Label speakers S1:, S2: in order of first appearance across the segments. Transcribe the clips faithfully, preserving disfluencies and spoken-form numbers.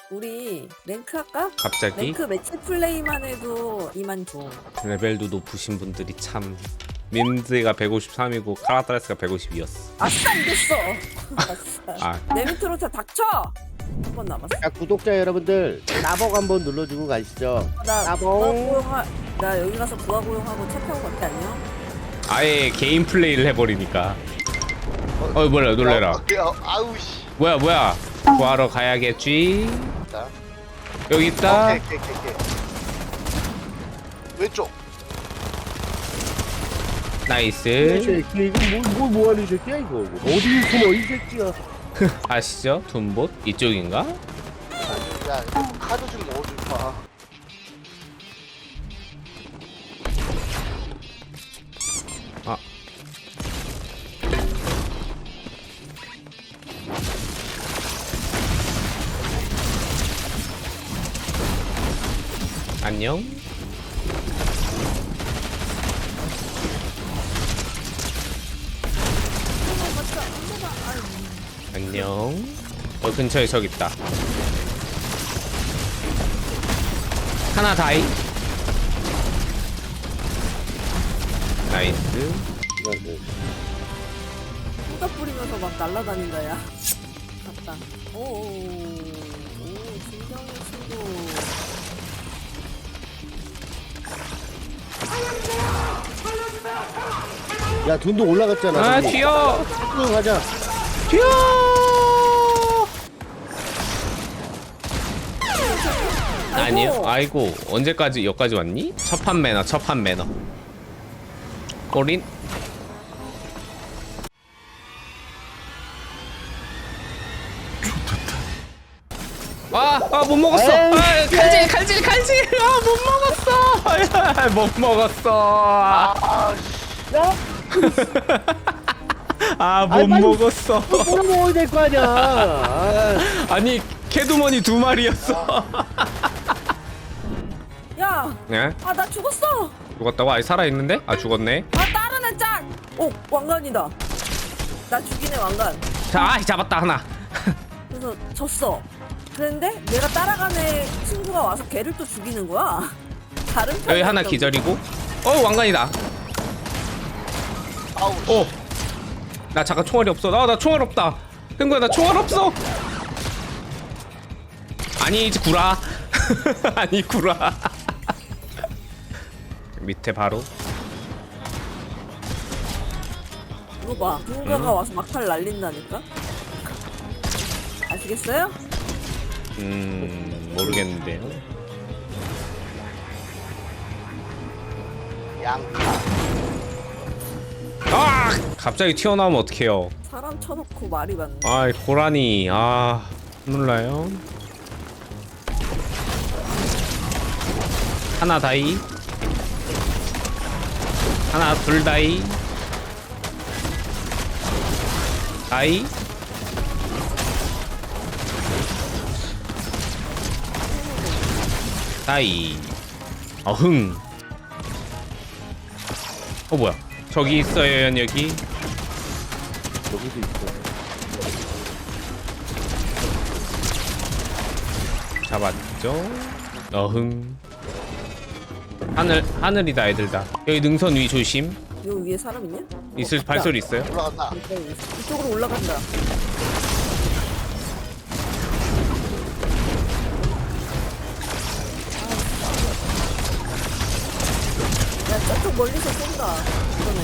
S1: 우리 랭크 할까?
S2: 갑자기
S1: 랭크 매치 플레이만 해도 이만 줘.
S2: 레벨도 높으신 분들이 참. 민드가 백오십삼이고 카라타레스가 백오십이었어.
S1: 아싸 이겼어. 아싸.
S2: 아,
S1: 내 밑으로 다 닥쳐. 한 번 남았어.
S3: 자, 구독자 여러분들 나복 한번 눌러주고 가시죠.
S1: 나
S3: 나봉.
S1: 부하 고용하. 나 여기 가서 부하 고용하고 차 타고 갈게 안녕.
S2: 아예 개인 플레이를 해버리니까. 어, 몰라, 놀래라.
S4: 어, 아우 씨.
S2: 뭐야, 뭐야. 구하러 가야겠지.
S4: 자,
S2: 여기 있다.
S4: 오케이, 오케이, 오케이, 오케이. 왼쪽.
S3: 이
S2: 나이스.
S3: 새끼 이거 뭘, 뭘 뭐하는 새끼야 이거. 어디 숨어 이 새끼야.
S2: 아시죠? 둠봇 이쪽인가?
S4: 아니, 야, 이거 카드 좀 넣어줄까?
S2: 아, 안녕. 안녕. 어, 근처에 적 있다. 하나 다이. 나이스.
S1: 후다 뿌리면서 막 날아다닌다 야. 갔다. 오오오. 오 진정해 친구.
S3: 야 돈도 올라갔잖아.
S2: 아,
S3: 저기.
S2: 튀어.
S3: 쭉 가자.
S2: 튀어. 아니요. 아이고, 언제까지 여기까지 왔니? 첫판 매너, 첫판 매너. 꼬린. 아, 아, 못 먹었어.
S3: 에이,
S2: 아, 칼질, 칼질, 칼질. 아, 못 먹었어. 아, 못 먹었어.
S4: 아, 씨.
S3: 야,
S2: 아, 못
S3: 아이, 빨리-
S2: 먹었어.
S3: 뭘 먹어야 될 거 아니야. 아,
S2: 아니, 캐두머니 두 마리였어.
S1: 야.
S2: 네?
S1: 아 나 죽었어.
S2: 죽었다고? 아니, 살아있는데? 아, 죽었네.
S1: 아 다른 애 짝. 오 왕관이다. 나 죽이네 왕관.
S2: 자, 아, 잡았다, 하나.
S1: 그래서 졌어. 그런데 내가 따라간 애 친구가 와서 걔를 또 죽이는 거야. 다른
S2: 여기
S1: 편이었던
S2: 하나
S1: 거.
S2: 기절이고. 어, 왕관이다.
S4: 아우 씨.
S2: 어. 나 잠깐 총알이 없어. 나, 나 총알 없다. 흥구야, 나 총알 없어. 아니, 이제 구라. 아니, 구라. 밑에 바로.
S1: 이거 봐. 누군가가 와서 막탈 날린다니까. 아시겠어요?
S2: 음, 모르겠는데요.
S4: 양파.
S2: 아! 갑자기 튀어나오면 어떡해요.
S1: 사람 쳐놓고 말이 많네.
S2: 아이, 고라니. 아, 놀라요. 하나 다이. 하나 둘 다이. 다이. 다이. 어흥. 어, 뭐야. 저기 있어요, 여기.
S3: 여기도 있어.
S2: 잡았죠. 어흥. 하늘, 하늘이다, 애들 다. 여기 능선 위 조심.
S1: 요 위에 사람 있냐?
S2: 있을
S1: 어,
S2: 발소리 있어요?
S4: 올라간다.
S1: 있다. 이쪽으로 올라간다. 야 저쪽 멀리서 쏜다. 이번에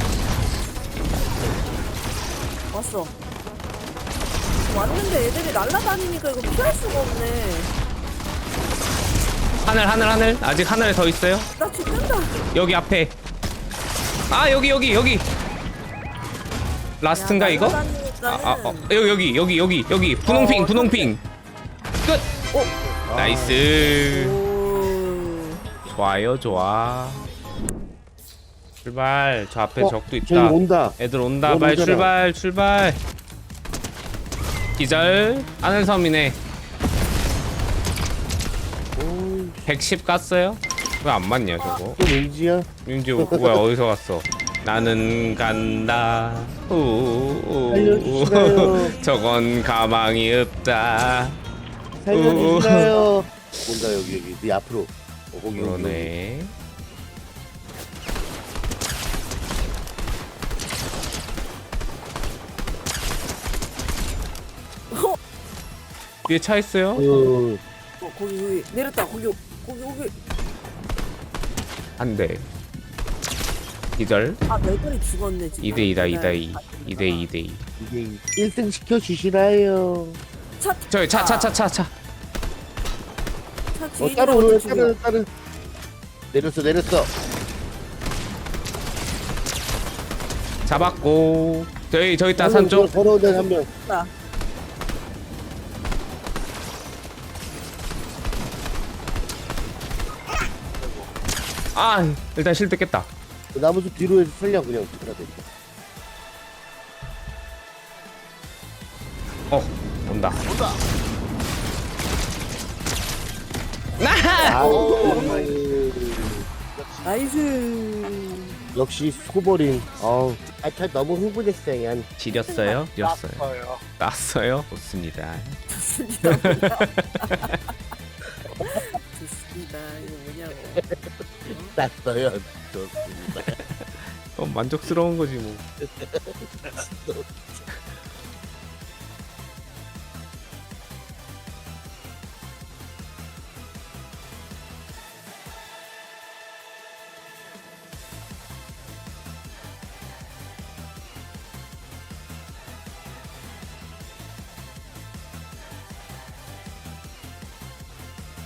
S1: 왔어. 왔는데 애들이 날아다니니까 이거 피할 수가 없네.
S2: 하늘, 하늘, 하늘. 아직 하늘에 더 있어요.
S1: 나 죽는다.
S2: 여기 앞에. 아, 여기, 여기, 여기. 라스트인가, 이거? 아, 아, 어. 여기, 여기, 여기, 여기, 여기. 분홍핑,
S1: 어,
S2: 분홍핑. 끝.
S1: 오.
S2: 나이스.
S1: 오.
S2: 좋아요, 좋아. 출발. 저 앞에
S3: 어,
S2: 적도
S3: 저기
S2: 있다.
S3: 온다.
S2: 애들 온다.
S3: 뭐
S2: 빨리
S3: 오잖아.
S2: 출발, 출발. 기절. 하늘섬이네. 백십 깠어요? 왜 안 맞냐, 저거?
S3: 또 민지야.
S2: 민지 뭐야, 어디서 갔어? 나는 간다. 우우우.
S3: 알려주시나요?
S2: 저건 가망이 없다.
S3: 살려주시나요? 뭔가 여기 여기 네 앞으로. 어, 거기 여기, 여기.
S2: 그러네.
S1: 어,
S2: 뒤에 차 있어요?
S3: 어,
S1: 어, 거기 거기 내렸다. 거기 거기 거기.
S2: 안 돼. 기절.
S1: 아 매달이 죽었네 지금.
S2: 이 대 이다, 이 대 이. 이 대 이 대 이.
S3: 이게 일 등 시켜주시나요?
S1: 차,
S2: 저기 차, 차, 차, 차, 차.
S1: 차 뒤에
S3: 어
S1: 있는
S3: 따로
S1: 것도
S3: 오늘
S1: 죽여.
S3: 따로 따로 내렸어 내렸어.
S2: 잡았고. 저기, 저기 있다, 산 쪽.
S3: 걸어오는 한 명.
S1: 나.
S2: 아, 일단 실드 깼다.
S3: 그 나무숲 뒤로 해서 살려 그냥 그러대.
S2: 어, 온다.
S4: 온다.
S3: 아우
S1: 나이스.
S3: 역시 소버린. 아우 아차 너무 흥분했어요. 얀.
S2: 지렸어요? 지렸어요.
S4: 났어요.
S2: 났어요? 좋습니다.
S1: 좋습니다. 뭐야. 좋습니다. 이거 뭐냐고.
S3: 났어요. 좋습니다.
S2: 어, 만족스러운 거지 뭐.